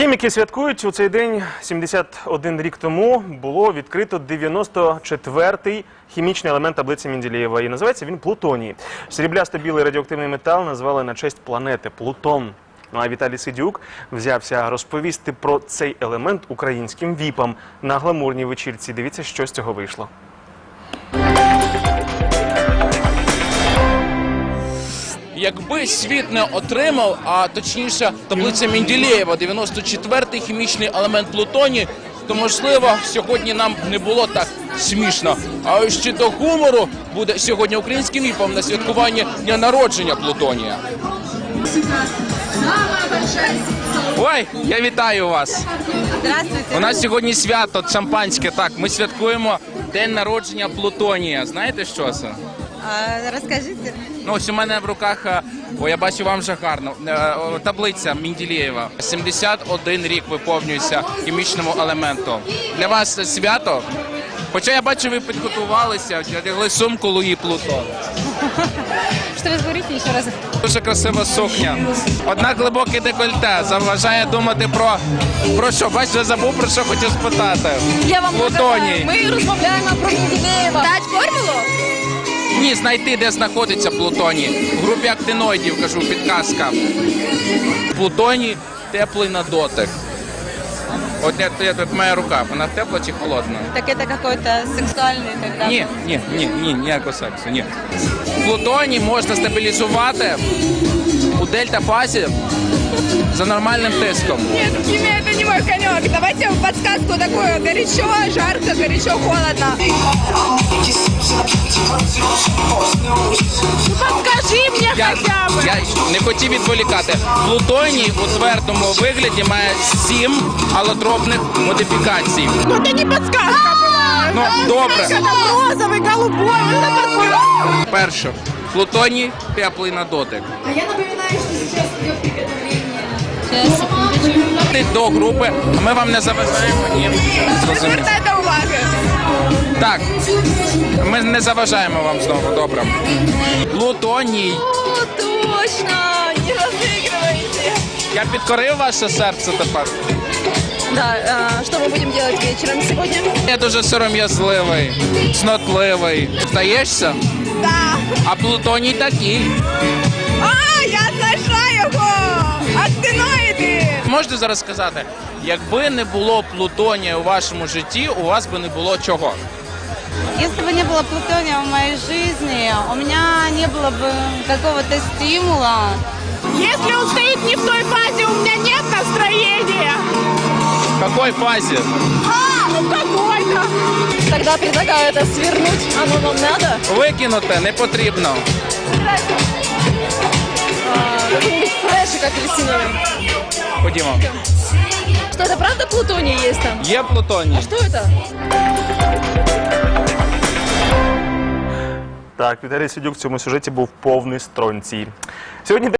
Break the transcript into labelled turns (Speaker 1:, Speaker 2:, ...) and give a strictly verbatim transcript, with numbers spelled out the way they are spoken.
Speaker 1: Хіміки святкують, у цей день сімдесят один рік тому було відкрито дев'яносто четвертий хімічний елемент таблиці Менделєєва. І називається він плутоній. Сріблясто-білий радіоактивний метал назвали на честь планети Плутон. Ну а Віталій Сидюк взявся розповісти про цей елемент українським віпам на гламурній вечірці. Дивіться, що з цього вийшло.
Speaker 2: Якби світ не отримав, а точніше таблиця Менделєєва, дев'яносто четвертий хімічний елемент плутоній, то, можливо, сьогодні нам не було так смішно. А ось ще до гумору буде сьогодні українським віпом на святкуванні дня народження плутонія. Ой, я вітаю вас!
Speaker 3: Здравствуйте!
Speaker 2: У нас сьогодні свято, шампанське, так, ми святкуємо день народження плутонія. Знаєте, що це?
Speaker 3: А, розкажіть.
Speaker 2: Ну, ось у мене в руках, о, я бачу, вам вже гарно, таблиця Менделєєва. сімдесят один рік виповнюється хімічному елементу. Для вас це свято? Хоча я бачу, ви підготувалися, одягли сумку Луї Плутон.
Speaker 3: Що ви говорите ще раз?
Speaker 2: Дуже красива сукня. Однак глибоке декольте заважає думати про... Про що? Бачите, забув, про що хотів спитати.
Speaker 3: Я вам
Speaker 2: Плутоній.
Speaker 3: Ми розмовляємо про Менделєєва. Дать формулу?
Speaker 2: Ні, знайти, де знаходиться плутоній. В групі актиноїдів, кажу, підказка. Плутоній теплий на дотик. От я, я, тут моя рука, вона тепла чи холодна?
Speaker 3: Так це якийсь сексуальний тогда?
Speaker 2: Ні, ні, ні, ні, ніякого сексу, ні. Плутоній можна стабілізувати у дельта-фазі за нормальним тиском.
Speaker 4: Нет, химия это не мой конек. Давайте подсказку такую. Горячо, жарко, горячо, холодно. Ну подскажи мне
Speaker 2: Я,
Speaker 4: хотя бы.
Speaker 2: я не хотів відволікати. Плутоній у твердому вигляді має сім алотропних модифікацій.
Speaker 4: Ну это не подсказка была.
Speaker 2: Ну, добре.
Speaker 4: Это розовый, голубой. Вот это подсказка.
Speaker 2: Перше. Плутоній теплий на дотик.
Speaker 4: А я напоминаю, что сейчас идет приготовление.
Speaker 3: Сейчас, секундочку.
Speaker 2: До групи, а ми вам не заважаємо. Ні.
Speaker 4: Не звертайте уваги.
Speaker 2: Так, ми не заважаємо вам знову, добре. Плутоній.
Speaker 4: О, точно, не разыгрывайте.
Speaker 2: Я підкорив ваше серце тепер.
Speaker 3: Да, а, что мы будем делать вечером сегодня?
Speaker 2: Я дуже сором'язливий, цнотливий. Здаєшся?
Speaker 4: Да.
Speaker 2: А плутоній такий.
Speaker 4: А, я знайшла його. Актиноїди.
Speaker 2: Можете зараз сказати, якби не було плутонія у вашому житті, у вас би не було чого?
Speaker 3: Если бы не было плутония в моей жизни, у меня не было бы какого-то стимула.
Speaker 4: Если он стоит не в той фазе, у меня нет настроения.
Speaker 2: В якій фазі?
Speaker 4: А, ну какой-то.
Speaker 3: Тогда предлагаю это свернуть. Оно вам надо?
Speaker 2: Викинути не потрібно.
Speaker 3: А, какой-нибудь фрешик апельсиновый.
Speaker 2: Ходімо.
Speaker 3: Что, это правда плутоний есть там?
Speaker 2: Є плутоній.
Speaker 3: Что это?
Speaker 1: Так, Віталій Сидюк в цьому сюжеті був повний стронцій. Сьогодні